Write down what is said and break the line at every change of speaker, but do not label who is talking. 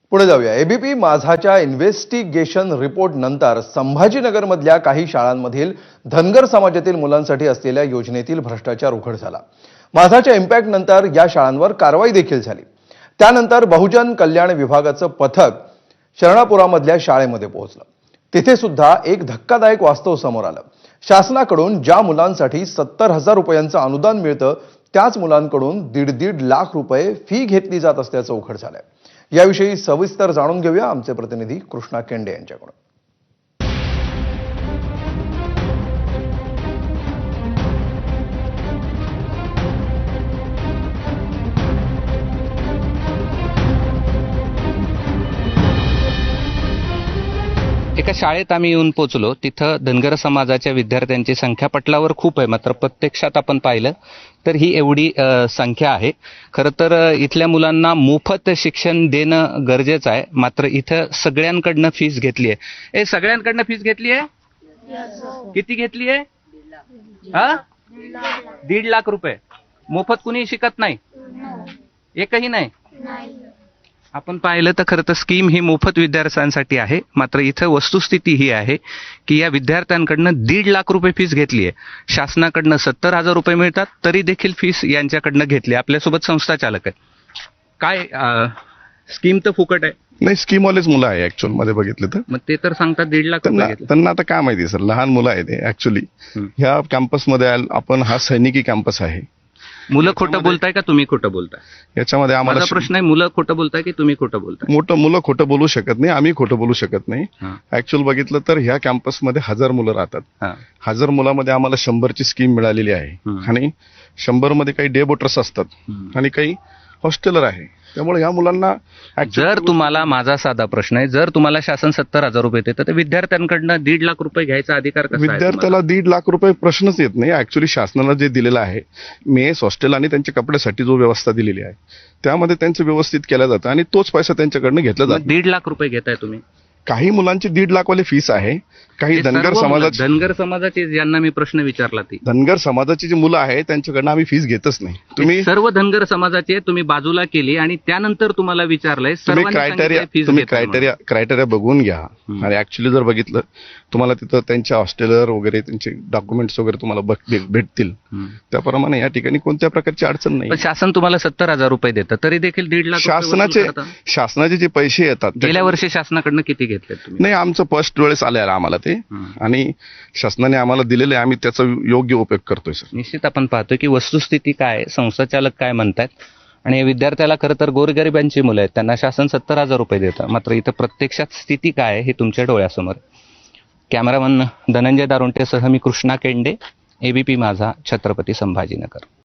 पुढे जाऊया। ABP माझाच्या investigation report नंतर संभाजीनगरमधल्या काही शाळांमधील धनगर समाजातील मुलांसाठी असलेल्या योजनेतील भ्रष्टाचार उघड झाला। माझाच्या इम्पॅक्ट नंतर या शाळांवर कारवाई देखील झाली। त्यानंतर बहुजन कल्याण विभागाचं पथक शरणापुरामधल्या शाळेमध्ये पोहोचलं। तिथे सुद्धा एक धक्कादायक वास्तव समोर आलं। शासनाकडून ज्या मुलांसाठी 70,000 रुपयांचं अनुदान मिळतं त्याच मुलांकडून 1.5 लाख रुपये फी घेतली जात असल्याचं उघड झालंय। याविषयी सविस्तर जाणून घेऊया आमचे प्रतिनिधी कृष्णा केंडे यांच्याकडून।
एका शाळेत आम्ही येऊन पोहोचलो। तिथं धनगर समाजाच्या विद्यार्थ्यांची संख्या पटलावर खूप आहे, मात्र प्रत्यक्षात आपण पाहिलं तर ही एवढी संख्या आहे। खरं तर इथल्या मुलांना मोफत शिक्षण देणं गरजेचं आहे, मात्र इथं सगळ्यांकडनं फीस घेतली आहे। सगळ्यांकडनं फीस घेतली आहे? किती घेतली आहे? 1.5 लाख रुपये। मोफत कुणी शिकत नाही, एकही नाही। आपण पाहिलं तर खरं तर स्कीम ही मोफत विद्यार्थ्यांसाठी आहे, मात्र इथं वस्तुस्थिती ही आहे की या विद्यार्थ्यांकडनं 1.5 लाख रुपये फीस घेतली आहे। शासनाकडनं 70,000 रुपये मिळतात तरी देखील फीस यांच्याकडनं घेतली। आपल्यासोबत संस्था चालक आहे। काय स्कीम तर फुकट आहे?
नाही, स्कीमवालेच मुलं आहे ऍक्च्युअल मध्ये बघितलं तर।
मग ते तर सांगतात 1.5 लाख रुपये घेतले।
त्यांना आता काय माहिती सर, लहान मुलं आहेत ऍक्च्युअली। ह्या कॅम्पसमध्ये आपण हा सैनिकी कॅम्पस आहे।
मुलं खोटं बोलताय का तुम्ही खोटं बोलताय?
याच्यामध्ये आम्हाला
माझा प्रश्न आहे, मुलं खोटं बोलताय की तुम्ही खोटं बोलताय?
मुलं खोटं बोलू शकत नाही, आम्ही खोटं बोलू शकत नाही। ऍक्च्युअल बघितलं तर ह्या कॅम्पसमध्ये 1000 मुलं राहतात। 1000 मुलामध्ये आम्हाला 100ची स्कीम मिळालेली आहे आणि 100 मध्ये काही डे बोटर्स असतात आणि काही हॉस्टेलर आहे। त्यामुळे ह्या मुलांना
जर तुम्हाला, माझा साधा प्रश्न आहे, जर तुम्हाला शासन 70,000 रुपये देतं तर विद्यार्थ्यांकडनं 1.5 लाख रुपये घ्यायचा अधिकार कसा आहे?
विद्यार्थ्याला 1.5 लाख रुपये प्रश्नच येत नाही। ऍक्च्युली शासनाला जे दिलेलं आहे, मेस हॉस्टेल आणि त्यांच्या कपड्यासाठी जो व्यवस्था दिलेली आहे त्यामध्ये त्यांचं व्यवस्थित केलं जातं आणि तोच पैसा त्यांच्याकडनं घेतला जातो।
1.5 लाख रुपये घेताय तुम्ही?
काही मुलांची 1.5 लाख वाली फीस आहे, काही धनगर
समाजाचे ज्यांना मी प्रश्न विचारला ती
धनगर समाजाची जी मुलं आहेत त्यांच्याकडनं आम्ही फीस घेतच नाही। तुम्ही
सर्व धनगर समाजाचे तुम्ही बाजूला केली आणि त्यानंतर तुम्हाला विचारलंय
क्रायटेरिया बघून घ्या। आणि ऍक्च्युली जर बघितलं तुम्हाला तिथं त्यांच्या हॉस्टेलर वगैरे त्यांचे डॉक्युमेंट्स वगैरे तुम्हाला भेटतील, त्याप्रमाणे या ठिकाणी कोणत्या प्रकारची अडचण नाही।
शासन तुम्हाला 70,000 रुपये देतं तरी देखील 1.5 लाख
शासनाचे जे पैसे येतात,
गेल्या वर्षी शासनाकडनं किती घेतले तुम्ही?
नाही, आमचं फर्स्ट वेळेस आलेलं आम्हाला ते, आणि शासनाने आम्हाला दिलेले, आम्ही त्याचा योग्य उपयोग करतोय सर।
निश्चित आपण पाहतोय की वस्तुस्थिती काय, संस्थाचालक काय म्हणतात, आणि विद्यार्थ्याला खरं तर गोरगरिबांची मुलं आहेत, त्यांना शासन 70,000 रुपये देतं, मात्र इथं प्रत्यक्षात स्थिती काय आहे हे तुमच्या डोळ्यासमोर। कॅमेरामन धनंजय दारुंटेसह मी कृष्णा केंडे, एबीपी माझा, छत्रपती संभाजीनगर।